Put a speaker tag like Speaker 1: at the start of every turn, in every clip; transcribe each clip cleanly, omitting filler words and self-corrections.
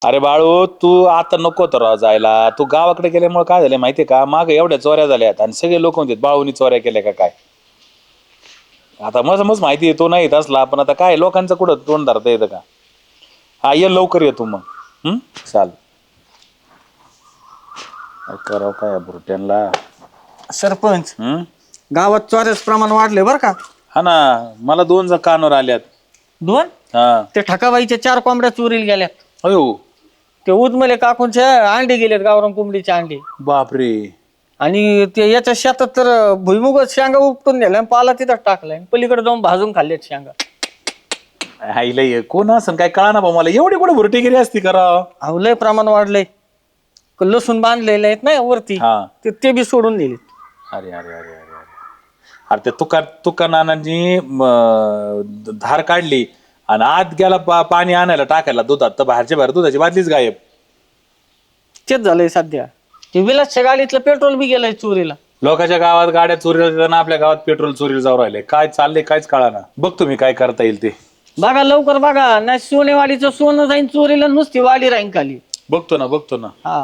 Speaker 1: अरे बाळू तू आता नको तर राव जायला. तू गावाकडे गेल्यामुळे काय झालं माहितीये का, माग एवढ्या चोऱ्या झाल्यात आणि सगळे लोक म्हणतात बाळूनी चोऱ्या केल्या का काय. आता मज माहिती आहे तो नाही येत असला, पण आता काय लोकांचं कुठं तोंड धरता येतं का. हा ये लवकर येतो मग. चाल करावं काय बुरट्यांना.
Speaker 2: सरपंच गावात चोऱ्याच प्रमाण वाढले बर का.
Speaker 1: हा ना, मला 2 कानावर आल्यात.
Speaker 2: 2
Speaker 1: हा
Speaker 2: ते ठकाबाईच्या 4 कोंबड्या चोरीला गेल्यात.
Speaker 1: अयो
Speaker 2: ते उदमले काकूंच्या अंडे गेलेत, गावरान कोंबडीचे अंडे.
Speaker 1: बापरे.
Speaker 2: आणि ते याच्या शेतात तर भुईमुग शेंगा उपटून नेल्या, पाला तिथं टाकलाय, पलीकडे जाऊन भाजून खाल्लेत शेंगा.
Speaker 1: आईला कोण असं काय कळा ना भाऊ मला, एवढी कुठे भुरटेगिरी असती करा.
Speaker 2: अहो लय प्रमाण वाढलंय. लसूण बांधलेले आहेत ना वरती,
Speaker 1: हा
Speaker 2: ते बी सोडून दिले.
Speaker 1: अरे अरे अरे अरे अरे अरे ते तुका नानांनी धार काढली आणि आत गेला पाणी आणायला टाकायला दुधात, तर बाहेरच्या बाहेर दुधाची बाटलीच गायब.
Speaker 2: तेच झालंय सध्या. ते विलासच्या गाडीतलं पेट्रोल बी गेलंय चोरीला.
Speaker 1: लोकांच्या गावात गाड्या चोरीला जाताना आपल्या गावात पेट्रोल चोरीला जाऊ राहिले. काय चाललंय काहीच कळा ना. बघ तुम्ही काय करता येईल ते
Speaker 2: बघा लवकर बघा, नाही सोनेवाडीचं सोनं जाईन चोरीला, नुसती वाडी राहीन खाली.
Speaker 1: बघतो ना.
Speaker 2: हा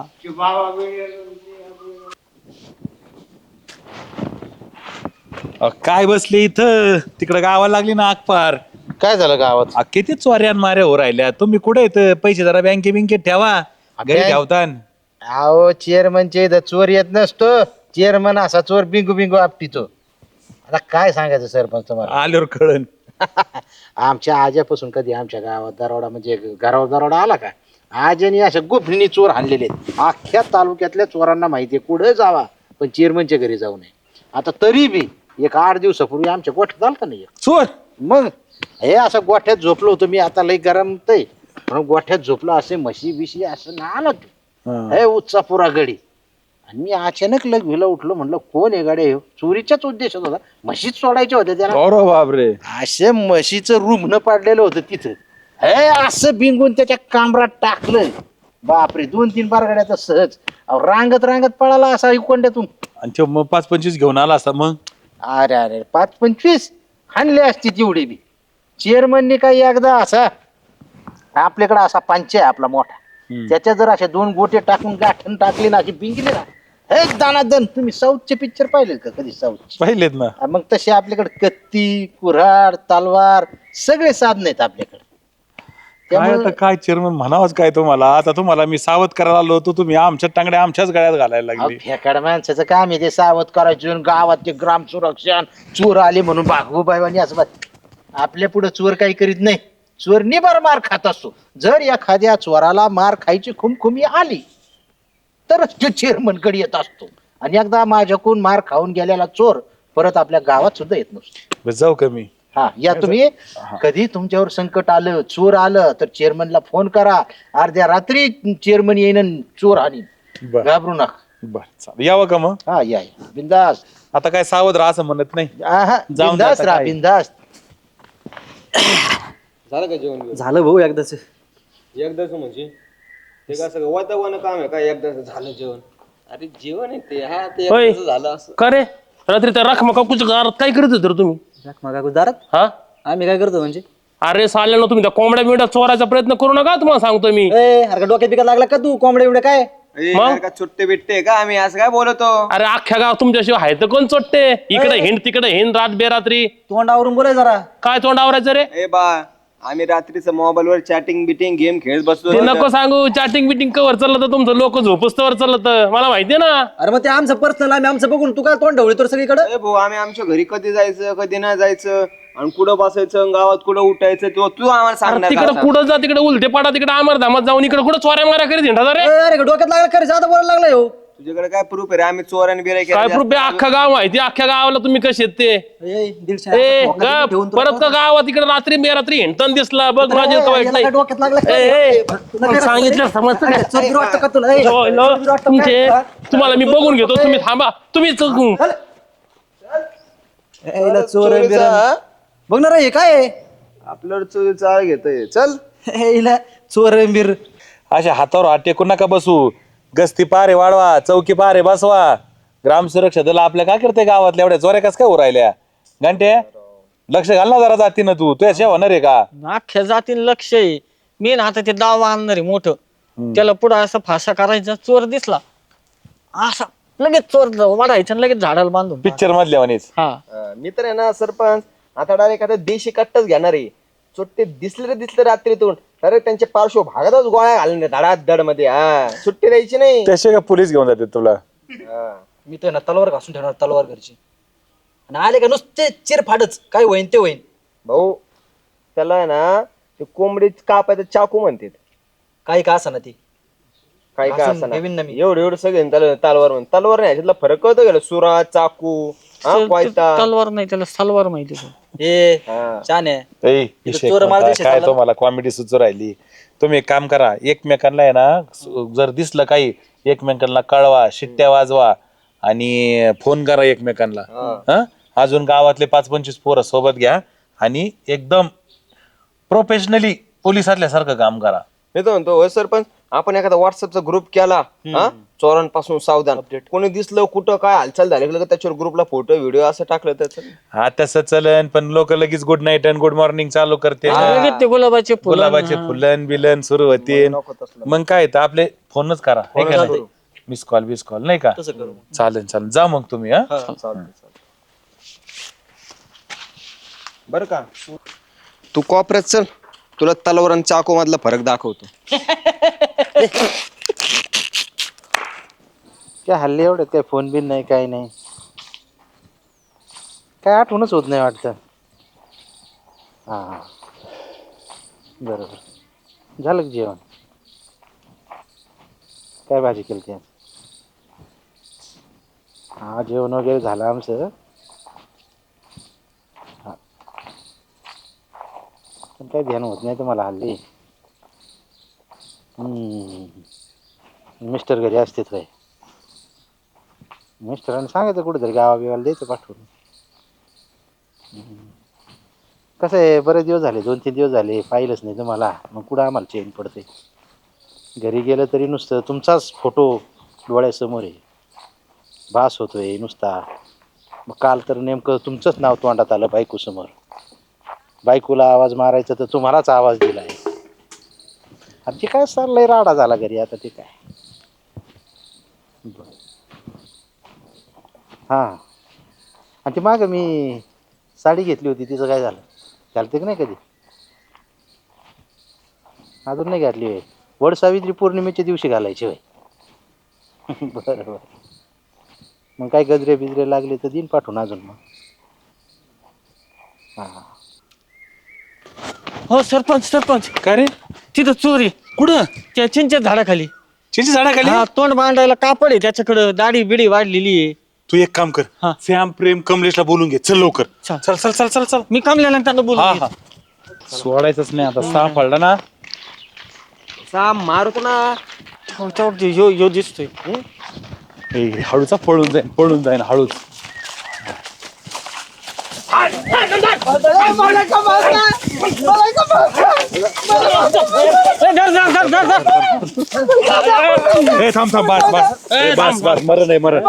Speaker 1: काय बसले इथं, तिकडे गावाला लागली ना आगपार.
Speaker 3: काय झालं गावात?
Speaker 1: किती चोऱ्यान माऱ्या हो राहिल्या. तुम्ही कुठे येत, पैसे जरा बँकेत ठेवा, घरी ठेवता.
Speaker 3: अहो चेअरमनचे इथं चोर येत नसतो. चेअरमन असा चोर बिंगू बिंगू आपटितो. आता काय सांगायचं सरपंच तुम्हाला.
Speaker 1: आल्यावर कळन.
Speaker 3: आमच्या आज्यापासून कधी आमच्या गावात दरोडा म्हणजे घरावर दरोडा आला का? आज्याने अशा गुफणी चोर आणलेले आहेत. अख्ख्या तालुक्यातल्या चोरांना माहितीये कुठे जावा, पण चेअरमनच्या घरी जाऊ नये. आता तरी बी एक 8 दिवसापूर्वी आमच्या गोठ्यात आलता नाही
Speaker 1: चोर.
Speaker 3: मग हे असं गोठ्यात झोपलो होतो मी, आता लई गरमतय म्हणून गोठ्यात झोपलो, असे म्हशी बिशी असं ना आला हे उच्चा पुरा गडी. आणि मी अचानक लग उठलो, म्हणलं कोण आहे गाडी. चोरीच्याच उद्देशात होता, म्हशीच सोडायच्या होत्या त्याला.
Speaker 1: बापरे.
Speaker 3: असे म्हशीचं रुग्ण पाडलेलं होतं तिथं. हे असं बिंगून त्याच्या कांबरात टाकलं. बापरे 2-3 बार गाड्याचा सहज. रांगत पळाला असा इकोंड्यातून.
Speaker 1: आणि ते मग 5-25 घेऊन आला असता मग.
Speaker 3: अरे अरे 5-25 हाणले असते तेवढे बी. चेअरमनने काही एकदा असा आपल्याकडे असा पंच आहे आपला मोठा, त्याच्या जर अशा 2 गोटे टाकून गाठण टाकली ना, अशी बिंगली ना, हे दानादन. तुम्ही साऊथचे पिक्चर पाहिलेत का कधी? साऊथ
Speaker 1: पाहिलेत ना.
Speaker 3: मग तसे आपल्याकडे कत्ती, कुऱ्हाड, तलवार सगळे साधन आहेत आपल्याकडे.
Speaker 1: काय चेअरमन म्हणावंच काय तुम्हाला. आता तुम्हाला मी सावध करायला आलो होतो, तुम्ही आमच्या टांगड्या आमच्याच गळ्यात घालायला लागली.
Speaker 3: फेकाड माणसाचं काम आहे ते सावध करायचं. गावात ते ग्राम सुरक्षण चोर आले म्हणून भागवूबाई असं आपल्या पुढे चोर काही करीत नाही. चोर निबार मार खात असतो. जर एखाद्या चोराला मार खायची खुमखुमी आली तरच तो चेअरमन कडे येत असतो. आणि एकदा माझ्याकडून मार खाऊन गेलेला चोर परत आपल्या गावात सुद्धा येत नसतो.
Speaker 1: जाऊ का मी?
Speaker 3: हा या तुम्ही. कधी तुमच्यावर संकट आलं, चोर आलं, तर चेअरमनला फोन करा. अर्ध्या रात्री चेअरमन येईन चोर आणि घाबरू नका.
Speaker 1: बर चालेल, यावं का मग?
Speaker 3: हा या बिंदास.
Speaker 1: आता काय सावध राहा असं म्हणत नाही.
Speaker 3: बिंदास राहा बिंदास.
Speaker 4: झालं का जेवण?
Speaker 2: झालं भाऊ एकदाच.
Speaker 4: एकदाच म्हणजे ते काय सगळं वातावरण काम आहे काय? एकदाच झालं जेवण? अरे जेवण आहे ते. हा ते एकदाच झालं असं.
Speaker 5: का रे रात्री त्या राख मका कुठं घरात काय करत होते रे तुम्ही?
Speaker 2: दारात
Speaker 5: हा
Speaker 2: आम्ही काय करतो म्हणजे?
Speaker 5: अरे साल्यानं तुम्ही त्या कोंबड्या बिंबड्या चोरायचा प्रयत्न करू नका, तुम्हाला सांगतो मी.
Speaker 2: अरे डोक्यात बिकत लागला का तू? कोंबड्या बिबड्या काय?
Speaker 5: मग?
Speaker 4: का सुट्टे बिट्टे का आम्ही असं काय बोलतो?
Speaker 5: अरे अख्ख्या गाव तुमच्याशिवाय आहे तर कोण चोट्टे? इकडे हिंड तिकडे हिंड रात बेरात्री.
Speaker 2: तोंडावरून बोलाय जरा.
Speaker 5: काय तोंड आवरायचं रे?
Speaker 4: ए बा आम्ही रात्रीचं मोबाईल वर चॅटिंग बिटिंग गेम खेळत बसलो.
Speaker 5: ते नको सांगू. चॅटिंग बिटिंग कवर चाललं तर तुमचं, लोक झोपस्तवर चाललं तर मला माहितीये ना.
Speaker 2: अरे मग ते आमचं पर्सनल, आम्ही आमचं बघून तू काय तोंड ढवळी तर सगळीकडे.
Speaker 4: ए भाऊ आम्ही आमच्या घरी कधी जायचं कधी नाही जायचं आणि कुठं बसायचं गावात कुठं उठायचं तो तू आम्हाला सांगणार
Speaker 5: तिकडे
Speaker 4: का?
Speaker 5: कुठं जा, तिकडे उलटे पाडा, तिकडे आमर धामात जाऊन इकडे कुठं चोऱ्या मारा करीत हिंडा रे.
Speaker 2: अरे डोक्यात लागला खरं, जादा बोलायला लागलाय हो.
Speaker 4: तुझ्याकडे काय प्रूफ आहे रे? आम्ही चोर आणि बिराई
Speaker 5: काय प्रूफ आहे? अख्खा गाव माहिती, अख्ख्या गावाला तुम्ही कसे आहेत ते. ए परत का गावात इकडे रात्री बेरात्री हिंडताना दिसला बघ, माझे तो वाईट नाही.
Speaker 2: डोक्यात लागला
Speaker 5: सांगितलं समजतं का? तुमचे तुम्हाला मी बघून घेतो, तुम्ही थांबा. तुम्ही
Speaker 2: चोर बघ ना रे काय
Speaker 4: आपल्यावर चोरी चाळ घेतोय. चल
Speaker 2: चोर बिर.
Speaker 1: अशा हातावर हात टेकून नका बसू. गस्ती पारे वाढवा, चौकी पारे बसवा. ग्राम सुरक्षा दल आपल्या काय करते गावातल्या एवढ्या चोऱ्या कस काय उरायल्या? घंटे लक्ष घाल ना जरा जातीनं. तू तुझ्या होणार आहे का?
Speaker 2: अख्ख्या जातीन लक्ष आहे. मी ना आता ते दावा आणणार आहे मोठं. त्याला पुढं असा फासा करायचा, चोर दिसला असा लगेच चोर वाढायचा आणि लगेच झाडाला बांधून
Speaker 1: पिक्चर मधल्या म्हणेच.
Speaker 2: हा
Speaker 4: मी तर आहे ना सरपंच, आता डायरेक्ट आता देशी कट्टच घेणार आहे. सुट्टे दिसले रात्रीतून, अरे त्यांच्या पार्श्व भागातच गोळ्या घालणे धडात धड मध्ये. हा, सुट्टी द्यायची नाही.
Speaker 1: त्याशिवाय का पोलीस घेऊन जाते तुला?
Speaker 6: मी तर ना तलवार घासून ठेवणार, तलवार घरची. आणि आले का नुसते चिरफाडच, काय होईन ते होईन.
Speaker 4: भाऊ त्याला आहे ना ते कोंबडी कापायचं चाकू म्हणतात.
Speaker 6: काही का असं ना ती
Speaker 4: काय काय
Speaker 6: घासून
Speaker 4: असं ना
Speaker 6: ठेवीन ना मी.
Speaker 4: एवढं सगळं तलवार म्हणून. तलवार नाही, ह्याच्यातला फरक कळतो गेला. सुरा, चाकू, वायता.
Speaker 2: तलवार नाही, त्याला सलवार माहिती आहे.
Speaker 6: हे
Speaker 4: हा.
Speaker 6: छान आहे.
Speaker 1: विषय
Speaker 6: चोर मार
Speaker 1: कोणता?
Speaker 6: देशात
Speaker 1: काय
Speaker 6: आला.
Speaker 1: तुम्हाला कॉमेडी सुचू राहिली? तुम्ही एक काम करा, एकमेकांना आहे ना, जर दिसलं काही एकमेकांना कळवा, शिट्ट्या वाजवा आणि फोन करा एकमेकांना. हा, अजून गावातले 5-25 पोरं सोबत घ्या आणि एकदम प्रोफेशनली पोलिसातल्या सारखं काम करा.
Speaker 4: मी तर म्हणतो होय सरपंच, आपण एखादा व्हॉट्सअपचा ग्रुप केला, हा, चोरांपासून सावधान. कोणी दिसलं कुठं काय हालचाल झाली की त्याच्यावर ग्रुपला फोटो व्हिडिओ असं टाकलं त्याचं.
Speaker 1: हा तसं चलन, पण लोक लगेच गुड नाईट आणि गुड मॉर्निंग चालू करते.
Speaker 2: लगेच ते गुलाबाचे फुलं.
Speaker 1: गुलाबाचे फुलन बिलन सुरू होते. मग काय तर आपले फोनच करा, मिस कॉल नाही का? चालेल जा मग तुम्ही. हा,
Speaker 4: बरं का, तू कॉपरेट चल, तुला तलवार आणि चाकू मधला फरक दाखवतो.
Speaker 3: काय हल्ली एवढं काय फोन बिन नाही, काही नाही, काय आठवणच होत नाही वाटतं. हा बरोबर. झालं का जेवण? काय भाजी केली ते? हा, जेवण वगैरे झालं आमचं. हा, पण काही ध्यान होत नाही तुम्हाला हल्ली. मिस्टर घरी असतेच काय? मिस्टरांनी सांगायचं कुठेतरी गावाबिवाला द्यायचं पाठवून. कसं आहे, बरेच दिवस झाले, 2-3 दिवस झाले पाहिलंच नाही तुम्हाला. मग कुठं आम्हाला चेन पडते? घरी गेलं तरी नुसतं तुमचाच फोटो डोळ्यासमोर आहे, भास होतोय नुसता. मग काल तर नेमकं तुमचंच नाव तोंडात आलं बायकोसमोर. बायकोला आवाज मारायचा तर तुम्हालाच आवाज दिलाय. आणि ते काय चाललंय, राडा झाला घरी आता. ते काय हां. आणि ती मागं मी साडी घेतली होती, तिचं काय झालं? घालते की नाही कधी? अजून नाही घातली होय? वड सावित्री पौर्णिमेच्या दिवशी घालायची होय? बरं बरं. मग काय गजरे बिजरे लागले तर दिन पाठवून अजून. मग हां.
Speaker 2: हो सरपंच,
Speaker 1: काय रे?
Speaker 2: तिथं चोरी.
Speaker 1: कुठं?
Speaker 2: त्या चिंचेच्या झाडाखाली.
Speaker 1: चिंचे झाडाखाली?
Speaker 2: हा, तोंड मांडायला कापड आहे त्याच्याकडं, दाढी बिडी वाढलेली आहे.
Speaker 1: तू एक काम कर,
Speaker 2: हा.
Speaker 1: श्याम प्रेम कमलेशला बोलून घे. चल लवकर.
Speaker 2: चल.
Speaker 1: चल चल चल चल चल.
Speaker 2: मी कमल्यानंतर बोलू.
Speaker 1: हा, सोडायचंच नाही आता. सापडला ना.
Speaker 4: मारतो ना.
Speaker 2: यो दिसतोय.
Speaker 1: हळूचा पळून जाईन हळूच. थांब बस मरण.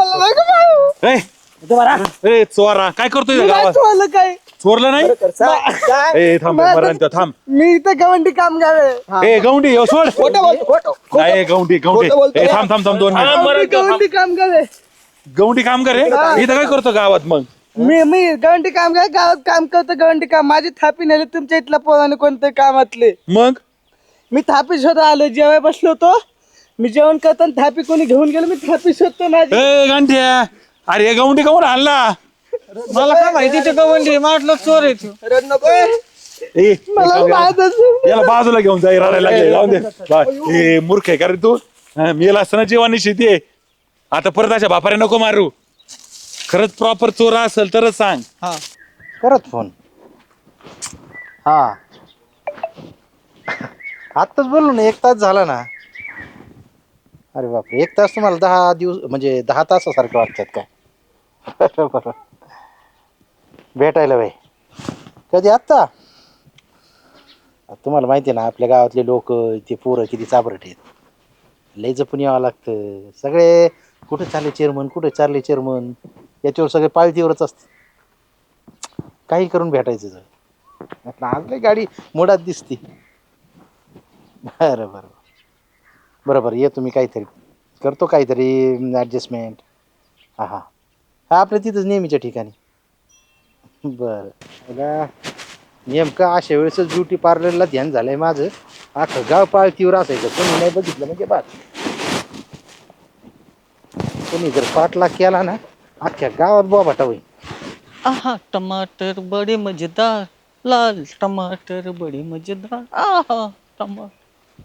Speaker 1: चोरा काय करतोय गावात? चोरलं नाही? थांब मरण. थांब,
Speaker 7: मी इथं गवंडी काम गावे.
Speaker 1: गौंडी सोड. नाही गौंडी. थांब 2 मिनिट.
Speaker 7: गवंडी काम गावे.
Speaker 1: गौंडी काम करे इथं काय करतो गावात? मग
Speaker 7: मी गवंडी काम गावे, गावात काम करतो गवंडी काम. माझी थापी नेली तुमच्या इथल्या पोराने कोणत्या कामातले.
Speaker 1: मग
Speaker 7: मी थापी शोधा आलो, जेवाय बसलो होतो. मी जेवण करताना थापी कोणी घेऊन गेलो, मी थापी शोधतो माझी.
Speaker 1: गांठ्या, अरे गौंडी कमून आणला?
Speaker 2: मला काय माहिती ते गवंडी म्हटलं चोर आहे तो.
Speaker 7: मला माहित असेल.
Speaker 1: याला बाजूला घेऊन जाई रडायला लागले. जाऊन दे. मूर्ख आहे का रे तू? मेला असताना जेवणी शेती आहे. आता परत अशा बापारे नको मारू. खरंच प्रॉपर चोरा असेल तरच सांग.
Speaker 3: करत फोन. हा, आत्ताच बोललो ना, 1 तास झाला ना. अरे बापरे, 1 तास तुम्हाला 10 दिवस म्हणजे 10 तासासारखं वाटतात काय? बरोबर. भेटायला बाई कधी? आत्ता? तुम्हाला माहिती आहे ना, आपल्या गावातले लोक ते पोरं किती चाबरट आहेत. लय जपून यावं लागतं. सगळे कुठं चालले चेअरमन, याच्यावर सगळे पाळतीवरच असते. काही करून भेटायचं. आज लय गाडी मोडात दिसते. बरं. बरोबर येतो मी काहीतरी करतो काहीतरी ॲडजस्टमेंट. हां हां हा आपल्या तिथंच नेहमीच्या ठिकाणी. बरं मला नेमकं अशा वेळेसच ब्युटी पार्लरला ध्यान झालंय माझं. अख्खं गाव पाळतीवर असायचं कोणी नाही बघितलं म्हणजे बात. कोणी जर पाठलाग केला ना अख्ख्या गावात बोबाटा होईल.
Speaker 2: आहा टमाटर बडे मजेदार, लाल टमाटर बडे मजेदार, आहा टमाटर.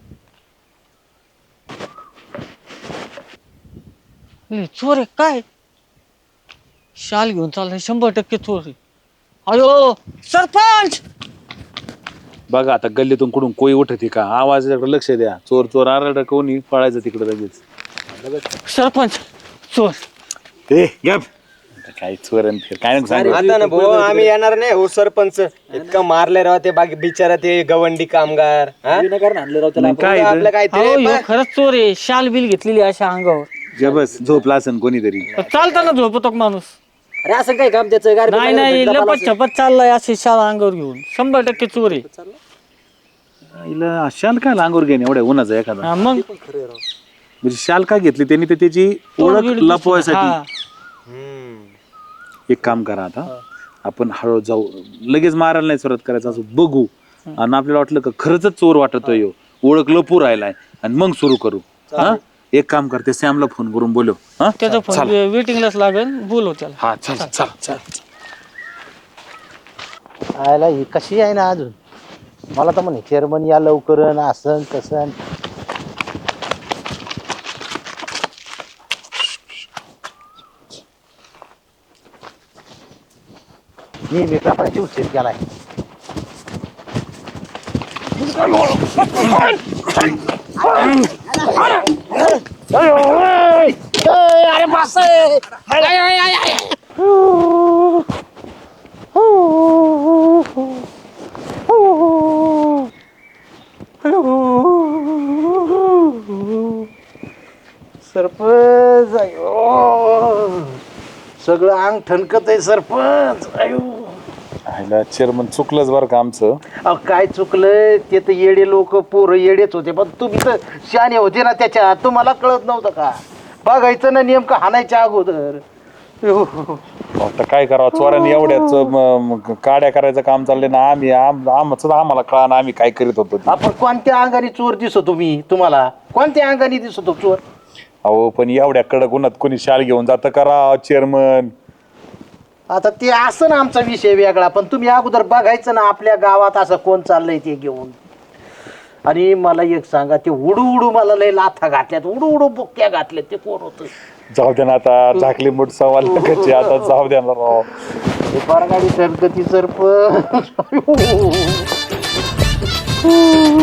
Speaker 2: चोर आहे काय? शाल घेऊन चाललाय, 100% चोर आहे. अयो सरपंच.
Speaker 1: बघा आता गल्लीतून कुठून कोई उठते का, आवाजाकडे लक्ष द्या. चोर चोर आरड कोणी पळायचं तिकडे लगेच.
Speaker 2: सरपंच चोर.
Speaker 1: ए गप काय चोर आणि फिर काय नको सांगू.
Speaker 4: आता ना भाऊ आम्ही येणार नाही हो सरपंच. इतकं मारले राव ते बिचारा ते गवंडी कामगार. हा?
Speaker 1: मग काय
Speaker 4: आपलं काय
Speaker 2: अहो ह्यो खरंच चोर आहे. शाल बिल घेतलेली अशा अंगावर.
Speaker 1: जबस झोपला असन कोणीतरी.
Speaker 2: चालताना झोपतो का माणूस?
Speaker 6: अरे असं काय काम त्याचं गाडी
Speaker 2: नाही नाही लपत छपत चाललाय अशी शाल अंगावर घेऊन. 100% चोर आहे.
Speaker 1: हिला शाल काय लांगूर घेणे एवढ्या उन्हाचा एखादा.
Speaker 2: हा, मग
Speaker 1: म्हणजे शाल का घेतली त्यांनी तर त्याची ओळख लपवायसाठी. एक काम करा आता आपण हळू जाऊ, लगेच मारायला नाही सुरुवात करायचं, असं बघू आणि आपल्याला वाटलं का खरंच चोर वाटतोय ह्यो, ओळख लपू राहिलाय आणि मग सुरू करू. हा एक काम करते सॅमला फोन करून बोलव. हा
Speaker 2: त्याचा फोन वेटिंगलाच लागेल, बोलव त्याला.
Speaker 1: हा चल चल चल.
Speaker 3: आयला ही कशी आहे ना अजून. मला तर म्हणे चेअरमन या लवकर असं तसं. मी वेगळ्यापणाची उच्चेर केलाय. अरे बास सरपंच. अयो सगळं अंग ठणकत आहे सरपंच. अयो
Speaker 1: चेअरमन चुकलंच बरं का आमचं.
Speaker 3: अहो काय चुकलं ते तर येडे लोक पोरं येडेच होते, पण तुम्ही तर शहाणे होते ना त्याच्यात. तुम्हाला कळत नव्हतं का? बघायचं ना नेमकं हाणायच्या अगोदर.
Speaker 1: आता काय करावं, चोरांनी एवढ्याच काड्या करायचं काम चाललंय ना. आम्हाला कळा ना आम्ही काय करीत होतो ते.
Speaker 3: आपण कोणत्या अंगाने चोर दिसतो? मी तुम्हाला कोणत्या अंगाने दिसतो चोर?
Speaker 1: अहो पण एवढ्या कडक उन्हात कोणी शाल घेऊन जातं करा चेअरमन.
Speaker 3: आता ते असं ना आमचा विषय वेगळा, पण तुम्ही अगोदर बघायचं ना आपल्या गावात असं कोण चाललंय ते घेऊन. आणि मला एक सांगा, ते उडू उडू मला लय लाथा घातल्यात, उडू उडू बुक्क्या घातल्यात, ते कोण होतं?
Speaker 1: जाऊ द्या ना आता, झाकली मूठ सवाल कशी आता जाऊ द्या ना राव.
Speaker 3: गाडी सरकती सरपंच.